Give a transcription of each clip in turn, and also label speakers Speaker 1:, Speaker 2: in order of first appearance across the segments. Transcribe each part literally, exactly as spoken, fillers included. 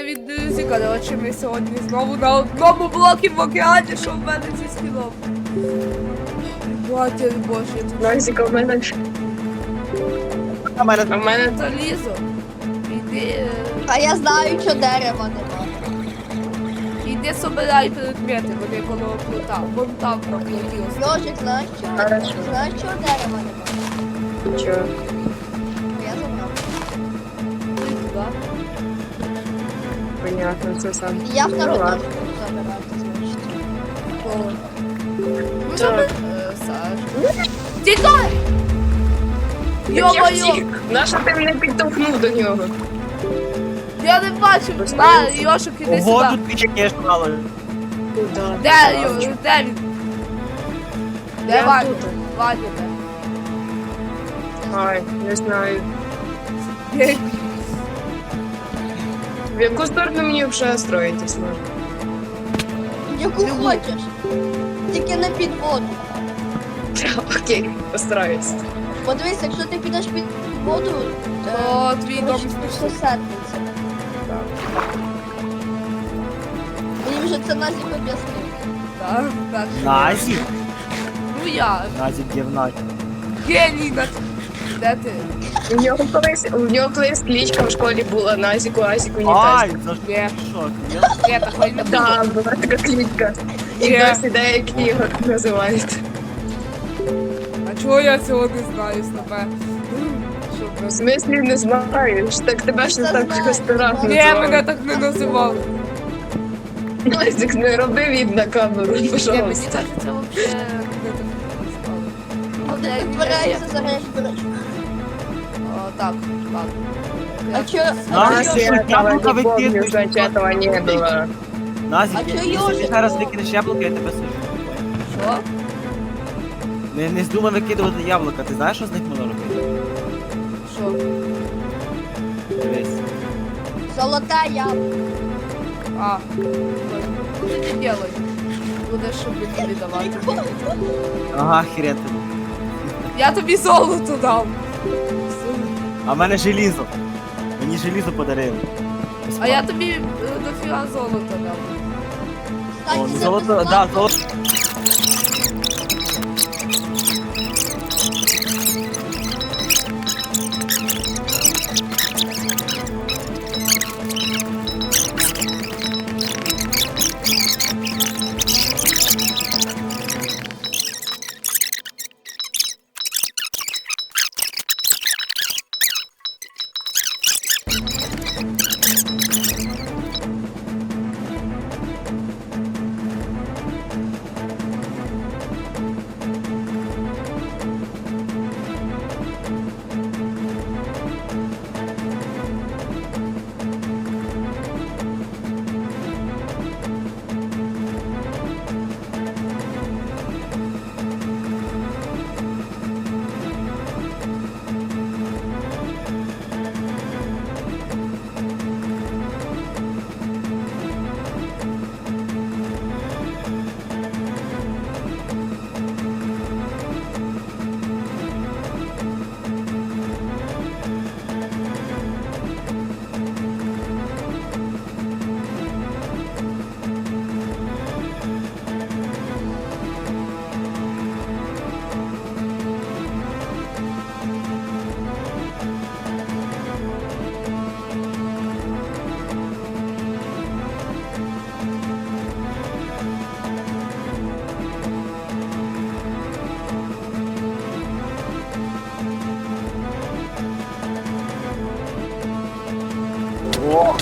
Speaker 1: від друзі, коротше, ми сьогодні знову на одному блокі в океані, що в мене зі скіном. Батя боже, я тут
Speaker 2: Назіка, в мене...
Speaker 3: А в мене
Speaker 2: А в мене...
Speaker 1: залізо. Іди, е,
Speaker 4: А я знаю, що дерева нема.
Speaker 1: іди собирай предмети, вони коло плота. Вон там на плоті ось.
Speaker 4: Йожик, знаєш що?
Speaker 2: Хорошо.
Speaker 4: Знаєш, що дерева нема?
Speaker 2: Чого?
Speaker 4: Я забрав.
Speaker 1: Іди туди.
Speaker 2: Понятно, це сам.
Speaker 4: Я второй
Speaker 2: ладно.
Speaker 4: теж буду забирати, значить.
Speaker 1: Коло. Ну,
Speaker 2: Так.
Speaker 1: забер- е, Саш. Тікай!
Speaker 2: Я
Speaker 1: Йо-моє!
Speaker 2: втік! Нащо ти мене підтовхнув до нього?
Speaker 1: Я не бачу! На, Йошик, іди
Speaker 3: ого,
Speaker 1: сюди.
Speaker 3: тут пічаки мало.
Speaker 2: Куда?
Speaker 1: Де Йо? Де він? Де
Speaker 2: Я
Speaker 1: Ваня?
Speaker 2: тут.
Speaker 1: Ваня де?
Speaker 2: Ай, не знаю.
Speaker 1: Де?
Speaker 2: В яку сторону мені вже строїтись можна?
Speaker 4: Яку
Speaker 1: Любу.
Speaker 4: хочеш. Тільки не під воду.
Speaker 2: Окей, постараюсь.
Speaker 4: Подивись, якщо ти підеш під воду,
Speaker 1: О, твій дом
Speaker 4: коротше,
Speaker 1: спішно.
Speaker 4: все сетнеться. Мені вже це Назік об'яснив.
Speaker 1: Так, так.
Speaker 3: Назік.
Speaker 1: Ну я.
Speaker 3: Назік дівна.
Speaker 1: Геній на... Де ти?
Speaker 2: У нього колись, у нього колись кличка в школі була Назіку, Азіку,
Speaker 3: Ай,
Speaker 2: Нітазіку.
Speaker 3: за ж
Speaker 1: Ні.
Speaker 3: шок.
Speaker 1: Я такої не буду.
Speaker 2: Да, була така кличка. І
Speaker 1: Ні.
Speaker 2: досі деякі його так називають.
Speaker 1: А чого я цього не знаю з тебе? Щоб
Speaker 2: В
Speaker 1: ви-
Speaker 2: смислі не знаєш, так тебе ж не
Speaker 4: Це
Speaker 2: так
Speaker 4: знаю.
Speaker 2: старах
Speaker 1: Ні, мене так не називали.
Speaker 2: Назік, не роби від на камеру,
Speaker 1: Ні, мені
Speaker 2: пожалуйста.
Speaker 1: кажеться, взагалі не так не називали.
Speaker 4: А ти
Speaker 1: Я-
Speaker 4: підбираєшся за береш.
Speaker 1: О, так, ладно.
Speaker 4: А чо, а
Speaker 3: Знаєш,
Speaker 4: чо,
Speaker 2: Я
Speaker 3: я
Speaker 2: этого
Speaker 3: яблоко
Speaker 2: не помню,
Speaker 3: викидую,
Speaker 2: значит этого не было.
Speaker 3: Назік,
Speaker 4: А
Speaker 3: я-
Speaker 4: чо
Speaker 3: якщо ти
Speaker 4: Йожик?
Speaker 3: зараз викинеш яблуко, я тебе сижу.
Speaker 1: Що?
Speaker 3: Не, не здумай викидувати яблука, ти знаєш, що з них можна робити?
Speaker 1: Що?
Speaker 3: Дивись.
Speaker 4: золота яблука.
Speaker 1: А, що ти не делай? Будеш щоб мені віддавати.
Speaker 3: Ага, хрен тобі.
Speaker 1: Я тобі золото дав.
Speaker 3: А в мене желізо. Мені желізо подарили.
Speaker 1: А я тобі е, дофіга золота дав.
Speaker 3: О,
Speaker 4: Кстати,
Speaker 3: ну
Speaker 4: це
Speaker 3: золото,
Speaker 4: безплатно.
Speaker 3: да, золото. О,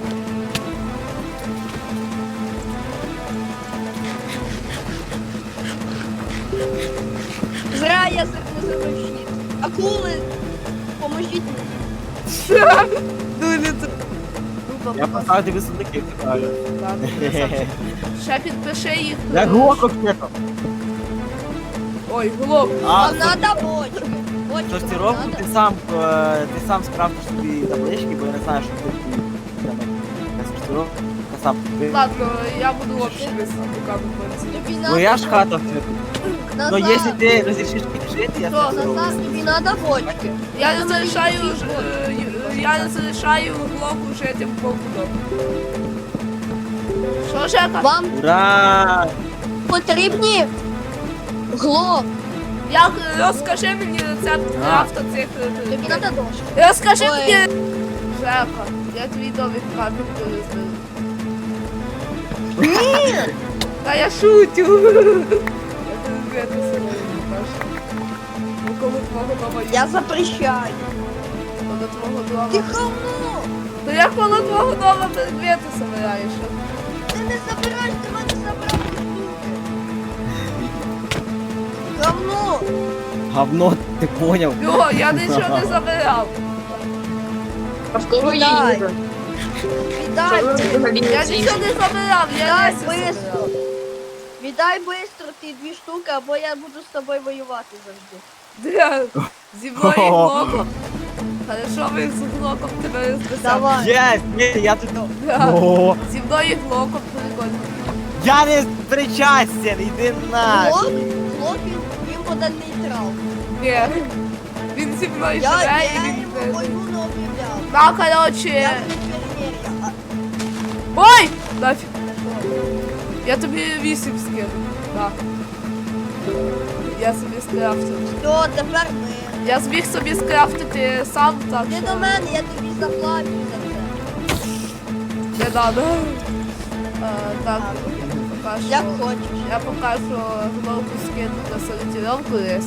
Speaker 4: Зря я не забив щит. Акули, поможіть мені.
Speaker 1: Дуже це.
Speaker 3: я поставив тобі сундуки, як кажуть.
Speaker 1: Ладно, красавчик. Ще підпиши їх.
Speaker 3: Я глоко кнето.
Speaker 1: Ой, глоб.
Speaker 3: А,
Speaker 4: Нам надо бочки. Бочки нам
Speaker 3: сортировку
Speaker 4: надо.
Speaker 3: ти сам, е, ти сам скрафтиш собі таблички, бо я не знаю, що ти сортировка сам. Ти-
Speaker 1: Ладно, я буду взагалі без сундука виходити.
Speaker 4: Тобі
Speaker 3: Ну я
Speaker 4: надо
Speaker 3: ж хата все.
Speaker 4: Назад.
Speaker 3: Но если ты разрешишь мне жить, я
Speaker 1: Что,
Speaker 3: все
Speaker 4: Назад, тобі надо бочки.
Speaker 1: Я залишаю ж, е, й- я залишаю глоку жити в побудові. Що, Жека?
Speaker 4: Вам
Speaker 3: Ура!
Speaker 4: потрібні глоб.
Speaker 1: Як розкажи мені рецепт крафта цих. е,
Speaker 4: Тобі треба дошки.
Speaker 1: Розкажи
Speaker 4: Ой.
Speaker 1: мені. Жека, я твій домик капіть перезберу.
Speaker 4: Ні!
Speaker 1: Та я шутю. Я тобі це себе покажу. Ну коли твого дома є,
Speaker 4: Я запрещаю.
Speaker 1: коли твого
Speaker 4: Ти
Speaker 1: дома.
Speaker 4: говно!
Speaker 1: То я коли твого дома предмети собираєш.
Speaker 4: Ти не забираєш, ти мене забрав ці штуки. Говно!
Speaker 3: Говно, ти поняв?
Speaker 1: Йо, я нічого не забирав.
Speaker 2: А в кого є
Speaker 4: Дай.
Speaker 2: їжа?
Speaker 4: Віддай!
Speaker 2: Що ви взагалі
Speaker 1: Я
Speaker 2: ці
Speaker 1: нічого не забирав, я
Speaker 4: Віддай
Speaker 1: лісі
Speaker 4: бистро!
Speaker 1: забирав.
Speaker 4: Віддай бистро ті дві штуки, або я буду з тобою воювати завжди.
Speaker 1: Де? Зі мною і глоком. Хорошо, ви з глоком тебе розписав.
Speaker 4: Давай!
Speaker 3: Єс, ні, я тут...
Speaker 1: Да.
Speaker 3: О,
Speaker 1: Зі мною і глоком прикольно.
Speaker 3: я не причастен, йди на.
Speaker 4: Блок, блок він, він буде нейтрал.
Speaker 1: Ні. Він зі мною
Speaker 4: Я,
Speaker 1: живе
Speaker 4: я
Speaker 1: і він...
Speaker 4: йому війну не об'являв.
Speaker 1: На,
Speaker 4: Я
Speaker 1: короче.
Speaker 4: буду перемір'я. А
Speaker 1: Ой! Нафіг. Я тобі вісім скину. Так. Я собі скрафтив.
Speaker 4: все, тепер ми.
Speaker 1: Я зміг собі скрафтити сам, так
Speaker 4: Ти
Speaker 1: що
Speaker 4: до мене, я тобі заплачу за це.
Speaker 1: не надо. Е, так, поки що...
Speaker 4: Як хочеш.
Speaker 1: Я поки що головку скину на сортировку лес.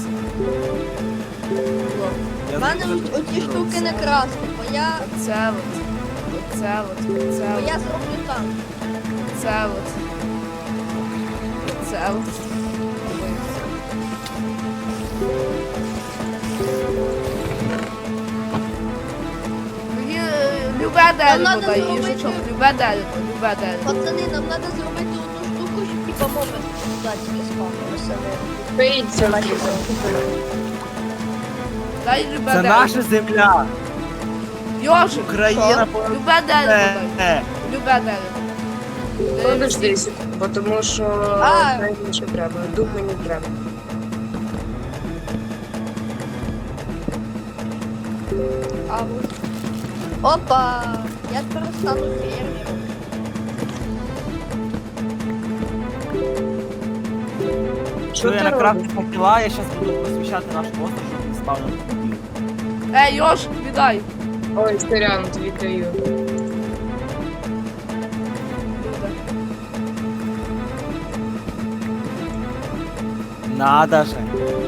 Speaker 3: Я
Speaker 4: У мене
Speaker 3: тут-
Speaker 4: ось- оці штуки не красти, бо я,
Speaker 1: Оце от. Оце от. Оце
Speaker 4: бо
Speaker 1: от.
Speaker 4: я зроблю там.
Speaker 1: Оце от. Оце от. Ой, все. Мені е, любе дерево
Speaker 4: надо
Speaker 1: дай,
Speaker 4: зробити-
Speaker 1: їжачок, любе дерево, любе дерево.
Speaker 4: Пацани, нам треба зробити одну штуку, щоб типа моби датські спавнилися.
Speaker 2: Пийте,
Speaker 1: Дай любе
Speaker 3: Це
Speaker 1: дерево.
Speaker 3: наша земля.
Speaker 1: Йожик,
Speaker 3: Україна
Speaker 1: що? Любе дерево дай.
Speaker 3: Е,
Speaker 1: Любе дерево. Е,
Speaker 2: Подожди секунду, бо тому що
Speaker 4: А.
Speaker 2: мені ще треба, дуб мені треба.
Speaker 1: А от.
Speaker 4: Опа! Я тепер стану фермером.
Speaker 2: Що
Speaker 3: Що я
Speaker 2: ти
Speaker 3: на
Speaker 2: робиш?
Speaker 3: крафті факела, я зараз буду просвіщати наш остров, щоб він спав на тобі.
Speaker 1: Ей, Йожик, віддай.
Speaker 2: Ой, сорян, тобі даю.
Speaker 1: Люда.
Speaker 3: Надо же.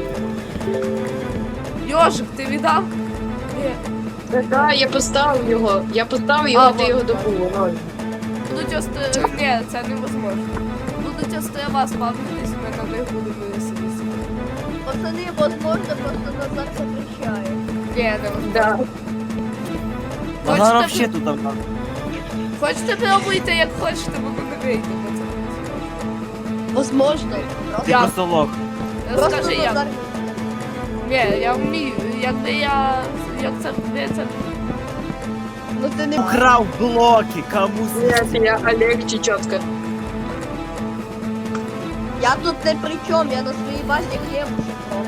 Speaker 1: Йожик, ти віддав? Ні.
Speaker 2: Так, я поставив його. Я поставив
Speaker 1: А,
Speaker 2: його, ти
Speaker 1: вот,
Speaker 2: його
Speaker 1: вот.
Speaker 2: добув. Ноль.
Speaker 1: Будуть острова. Ні, це невозможно. Будуть острова спавнитись, ми на них будемо веселитися.
Speaker 4: Пацани, возможно, просто Назар запрещає.
Speaker 1: Ні, невозможно.
Speaker 2: Да.
Speaker 3: Вона
Speaker 1: Хочете,
Speaker 3: вообще тут там.
Speaker 1: хочете пробуйте, як хочете, воно не вийде. бо це
Speaker 4: Возможно.
Speaker 3: Ти
Speaker 1: Я-
Speaker 3: просто лох.
Speaker 1: не
Speaker 4: Просто
Speaker 1: Розкажи як.
Speaker 4: Назар.
Speaker 1: Ні, я вмію. Якби я. Як це ви це.
Speaker 4: Ну ти не
Speaker 3: Украв блоки, кому
Speaker 2: Нет, я Олег Чечетка.
Speaker 4: Я тут не при чому, я на своїй базі хліб шукав.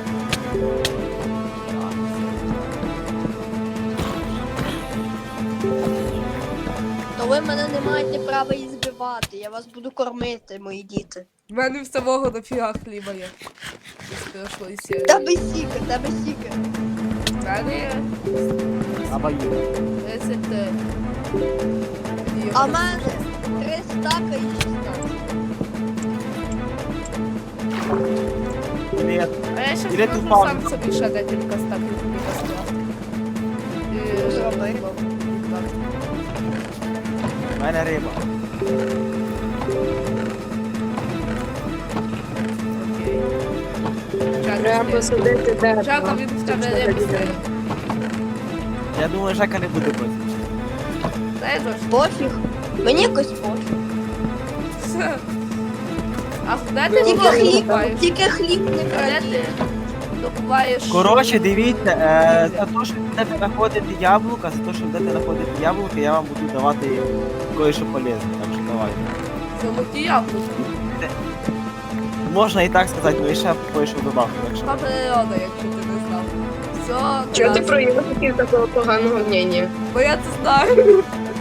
Speaker 4: То ви мене не маєте права і збивати, я вас буду кормити, мої діти.
Speaker 1: В мене в самого дофіга хліба є. З прошлої серії.
Speaker 4: Тебе сіка, тебе сіка.
Speaker 1: В мене є
Speaker 3: Абаю.
Speaker 1: тридцять три. Ні,
Speaker 4: А в мене три стака і шістнадцять.
Speaker 3: Привіт.
Speaker 1: А я ще
Speaker 3: Іди
Speaker 1: зможу
Speaker 3: тут паузу.
Speaker 1: сам собі ще декілька стаків тобі поставити. І-
Speaker 4: Зроби.
Speaker 3: У мене риба.
Speaker 1: Окей. Жака,
Speaker 2: Треба
Speaker 1: ти-
Speaker 2: посадити дерево.
Speaker 1: Жака, він в тебе рибу стає.
Speaker 3: Я думаю, Жека не буде проти.
Speaker 1: Дай дощ.
Speaker 4: Пофіг. Мені якось пофіг.
Speaker 1: А де ти
Speaker 4: Тільки
Speaker 1: глок
Speaker 4: хліб,
Speaker 1: добуваєш?
Speaker 4: тільки хліб не
Speaker 1: А де
Speaker 4: краді.
Speaker 1: ти добуваєш?
Speaker 3: Коротше, дивіться, е, за те, що будете знаходити яблука, за те, що будете знаходити яблука, я вам буду давати кое-що полезне, так що давайте.
Speaker 1: Золоті яблука.
Speaker 3: Можна і так сказати, але ще кое-що добавку, так що.
Speaker 1: Та природа, якщо ти не знав. Все,
Speaker 2: Чого ти
Speaker 1: класно.
Speaker 2: про Йосиків такого поганого мнення?
Speaker 1: Бо я це знаю.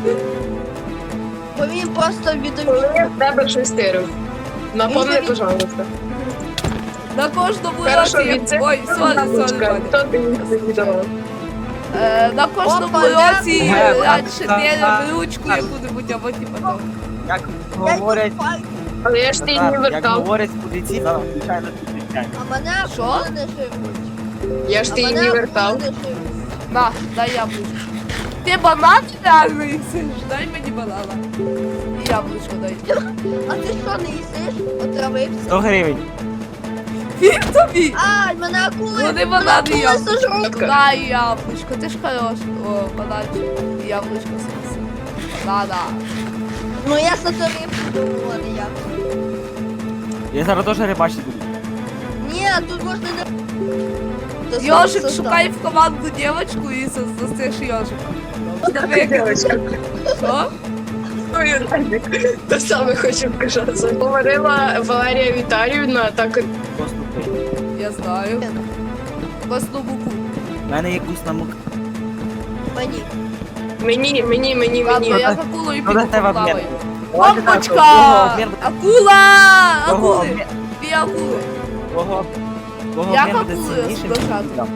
Speaker 4: Бо він просто відомий.
Speaker 2: Коли я в тебе щось тирив? Напомни,
Speaker 4: Він-
Speaker 2: пожалуйста.
Speaker 1: На кожному
Speaker 2: Хорошо,
Speaker 1: році...
Speaker 2: від
Speaker 1: Ой, сорі, сорі, Ваня.
Speaker 2: Хто ти мені віддавав?
Speaker 1: Е, на кожному
Speaker 4: Опа,
Speaker 1: році
Speaker 3: я-
Speaker 1: раніше
Speaker 3: я-
Speaker 1: діляли ручку яку-небудь, або типа того.
Speaker 3: Як говорять,
Speaker 2: Але я ж ти її не
Speaker 3: Назар, як
Speaker 2: вертав.
Speaker 3: говорять поліції, зараз звичайно підключаємо.
Speaker 4: А мене
Speaker 1: Що?
Speaker 4: акули не живуть.
Speaker 2: Я ж
Speaker 4: А
Speaker 2: ти її
Speaker 4: мене
Speaker 2: не
Speaker 4: акули
Speaker 2: вертав.
Speaker 4: не живуть.
Speaker 1: На, дай яблучко. Ти банан реально їсиш? Дай мені банана. І яблучко дай.
Speaker 4: А ти що не їсиш? Отравився?
Speaker 3: сто гривень.
Speaker 1: Він тобі!
Speaker 4: А, мене акули.
Speaker 1: Вони
Speaker 4: мене
Speaker 1: банани
Speaker 4: акули
Speaker 1: яблуко.
Speaker 4: сожруть.
Speaker 1: Дай яблучко, ти ж хорош. О, бананчик. І яблучко сміси. Банана.
Speaker 4: Ну я сотворив думала, не я.
Speaker 3: Я зараз теж рибачити буду.
Speaker 4: Ні, тут можна не... То сам
Speaker 1: Йожик,
Speaker 4: состав.
Speaker 1: шукай в команду дівчинку і застеш йожика. Можна викинути.
Speaker 2: Дівчинка.
Speaker 1: Що?
Speaker 2: Ой, Радик, те саме хочу вказати. Говорила Валерія Віталіївна, так
Speaker 3: Поступи.
Speaker 1: Я знаю. Косну муку.
Speaker 3: У мене є вкусна мука.
Speaker 4: Мені.
Speaker 2: мені, мені, мені,
Speaker 1: Ладно,
Speaker 2: мені.
Speaker 1: я з акулою
Speaker 3: Ну,
Speaker 1: піду
Speaker 3: до тебе
Speaker 1: поплаваю.
Speaker 3: обмін.
Speaker 1: Бомбочка!
Speaker 3: Кого обмін буде?
Speaker 1: Акула!
Speaker 3: Кого
Speaker 1: Акули!
Speaker 3: обмін?
Speaker 1: Дві акули.
Speaker 3: Кого? Кого
Speaker 1: Як
Speaker 3: обмін буде
Speaker 1: акули
Speaker 3: сильнішим?
Speaker 1: скажати?
Speaker 3: Да.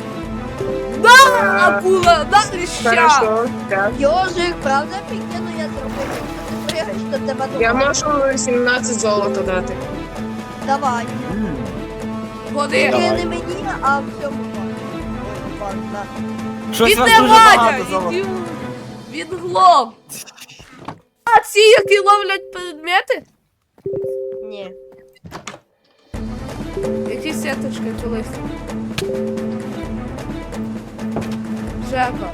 Speaker 1: Да! Акула! Да, ліща!
Speaker 2: Хорошо, так.
Speaker 4: Йожик, правда пікену я зробив? Ти пригаєш до тебе
Speaker 2: Я
Speaker 4: дома.
Speaker 2: можу сімнадцять золота дати.
Speaker 4: Давай.
Speaker 3: М.
Speaker 1: Ходи!
Speaker 3: Давай.
Speaker 4: Тільки не мені, а всьому пану. Ой, пан, на.
Speaker 3: Щось у вас
Speaker 1: Іди,
Speaker 3: дуже
Speaker 1: Ваня!
Speaker 3: багато золота.
Speaker 1: Іди! Він глоб! А ці, які ловлять предмети?
Speaker 4: Ні.
Speaker 1: Які сеточки колись? Жека.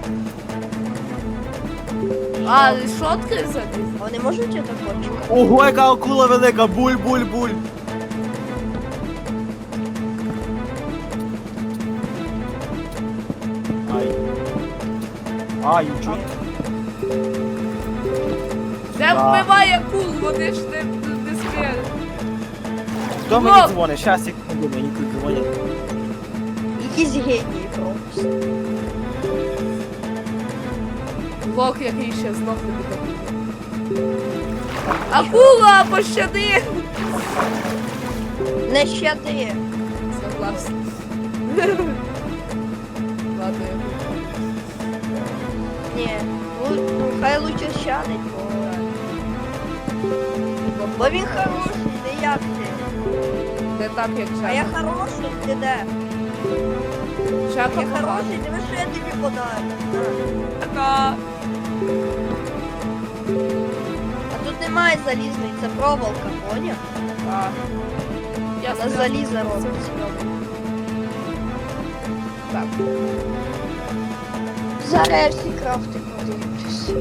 Speaker 1: А, решотки забив?
Speaker 4: Вони можуть це хочуть?
Speaker 3: Ого, яка акула велика! Буль-буль-буль! Ай. Ай, чуть.
Speaker 1: Не
Speaker 3: Да.
Speaker 1: вбивай акул, вони ж не, не сміють.
Speaker 3: Хто мені
Speaker 1: Лоб.
Speaker 3: дзвонить? Щас, секунду, мені тут дзвонять.
Speaker 4: Якісь генії просто.
Speaker 1: Лох, який ще знов тобі такий. Акула, пощади!
Speaker 4: Не щади.
Speaker 1: Согласен. Ладно, я буду.
Speaker 4: Ні. Ну, ну, хай лучше щадить, бо... Бо він хороший, не як ти.
Speaker 1: Не так, як
Speaker 4: А я
Speaker 1: Жека.
Speaker 4: хороший, ти де?
Speaker 1: Жека
Speaker 4: Я
Speaker 1: поганий.
Speaker 4: хороший, диви, що я тобі подарю.
Speaker 1: Жека.
Speaker 4: А тут немає залізної, це проволока, поняв?
Speaker 1: А. Я
Speaker 4: Вона
Speaker 1: сказала,
Speaker 4: заліза робить.
Speaker 1: Так.
Speaker 4: Зараз я всі крафти подивлюсь.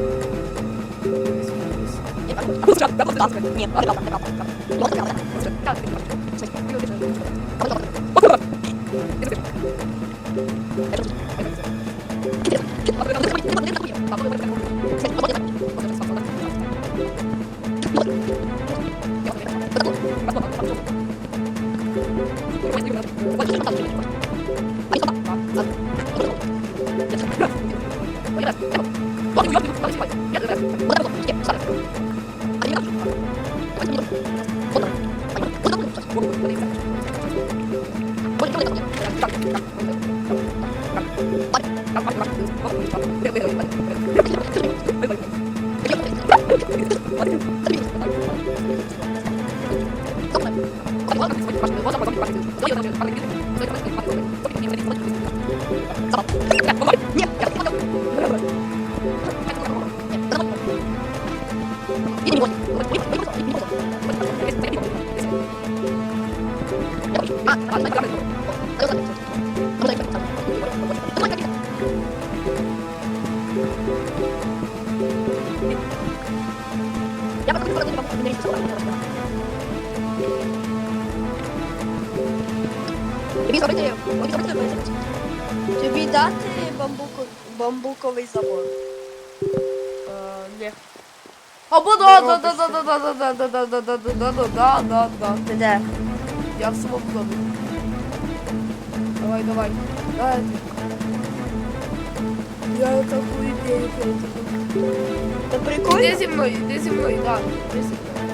Speaker 4: Тобі дати бамбуку, бамбуковий забор?
Speaker 1: Ні. Або да, да, да, да, да, да, да, да, да, да, да, да, да, да, да, да, да.
Speaker 4: Ти де?
Speaker 1: Я в самому домі. Давай, давай. Давай. Я таку ідею придумав.
Speaker 4: Та
Speaker 1: Іди
Speaker 4: прикольно.
Speaker 1: зі мною, іди зі мною, так, іди зі мною.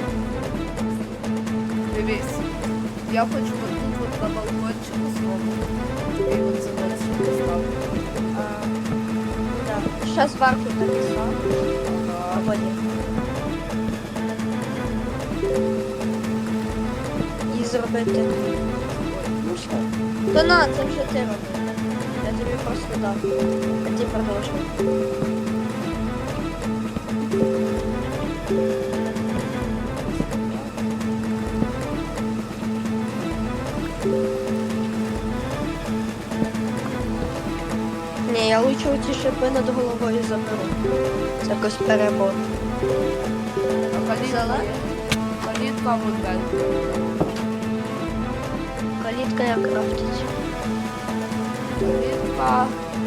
Speaker 1: Дивись. Я хочу от тут от на балкончику своєму. Тобі от заводчик поставити.
Speaker 4: А, да. Ще зверху написав.
Speaker 1: Ага.
Speaker 4: Або ні. І зробити. Ну що? Та на, це вже ти робив. Я тобі просто дав. А ти продовжуй. Ні, я лучше ці шипи над головою заберу. Це якось перебор.
Speaker 1: А калітка
Speaker 4: Взяла?
Speaker 1: є? Калітка от далі.
Speaker 4: Калітка як крафтить.
Speaker 1: Калітка.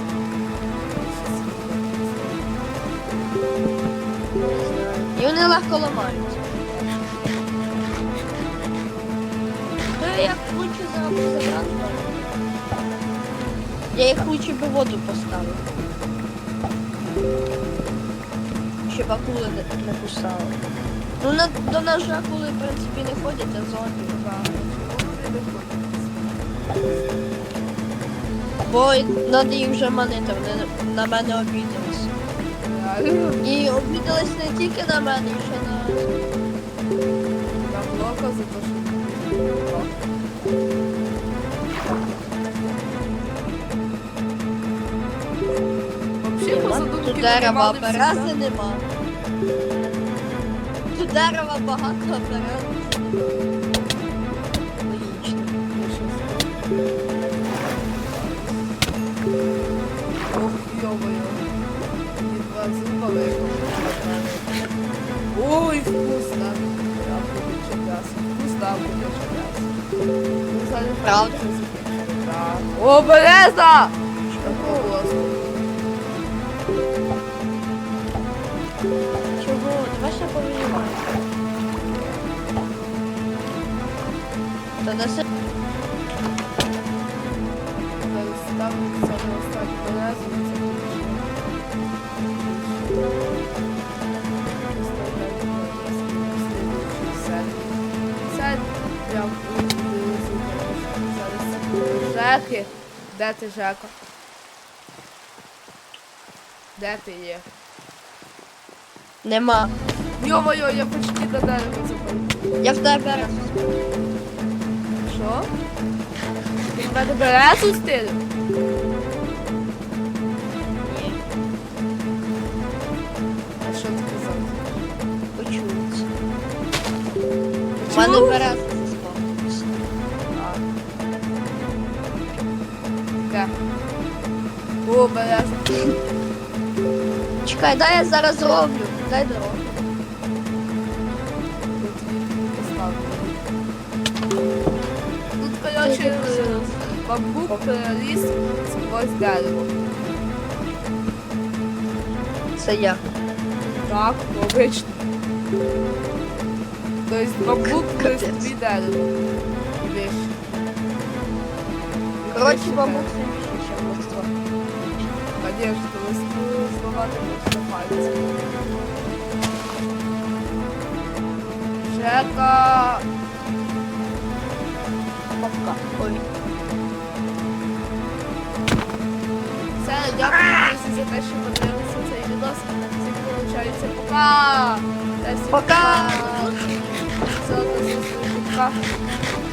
Speaker 4: Не знаю. І вони легко ламаються. То я як лучше забрати. Я їх лучше би в воду поставив. Щоб акули не, не кусали. Ну на, до нас же акули в принципі не ходять, а зомбі. Бо треба їх вже манити, вони на мене обідались.
Speaker 1: Реально?
Speaker 4: І обідались не тільки на мене, і ще на...
Speaker 1: Там блока за те, що... Вообще, по
Speaker 4: Нема.
Speaker 1: задумці,
Speaker 4: Тут дерева, а
Speaker 1: нормальний
Speaker 4: берези
Speaker 1: всегда.
Speaker 4: нема. Тут дерева багато, а берез нема. Логічно.
Speaker 1: Ох, ё-моё. Не два зуба выкопали. Ой, вкусно. Я буду чекаться. Вкусно, а буду чекаться. Ну, зараз
Speaker 4: Правда?
Speaker 1: ще закінчимо. Так. О, береза! Що голосно.
Speaker 4: Чого? Давай ще повинімаємо. Та неси...
Speaker 1: Зараз ставлю саме останню березу, і це більше. Це прям зараз Жеки. Де ти, Жека? Де ти є?
Speaker 4: Нема.
Speaker 1: Йо-моє, я почти до дерева запалю.
Speaker 4: Я в тебе берез.
Speaker 1: Що? Ти в мене березу стилю?
Speaker 4: Ні,
Speaker 1: А що ти казав?
Speaker 4: почується. У мене
Speaker 1: Чув?
Speaker 4: берез заспавнився.
Speaker 1: А. Де? О, береза.
Speaker 4: Чекай, дай я зараз зроблю. Дай дорогу.
Speaker 1: Тут її поставлю. Тут, коротше, бамбук переліз сквозь дерево.
Speaker 4: Це я.
Speaker 1: Так, обично. Тобто бамбук плюс
Speaker 4: Капець.
Speaker 1: дві дерево. І вещи.
Speaker 4: Коротше,
Speaker 1: Вещи
Speaker 4: бамбук
Speaker 1: дерево.
Speaker 4: сильніше, ніж листво.
Speaker 1: Конечно, листву зламати можна пальцем. Жека.
Speaker 4: Папка. Ой.
Speaker 1: Все, дякую, друзі, за те, що подивилися цей відос. Всім виходить, пока! Та всім
Speaker 4: Пока!
Speaker 1: Все, до зустрічі, пока.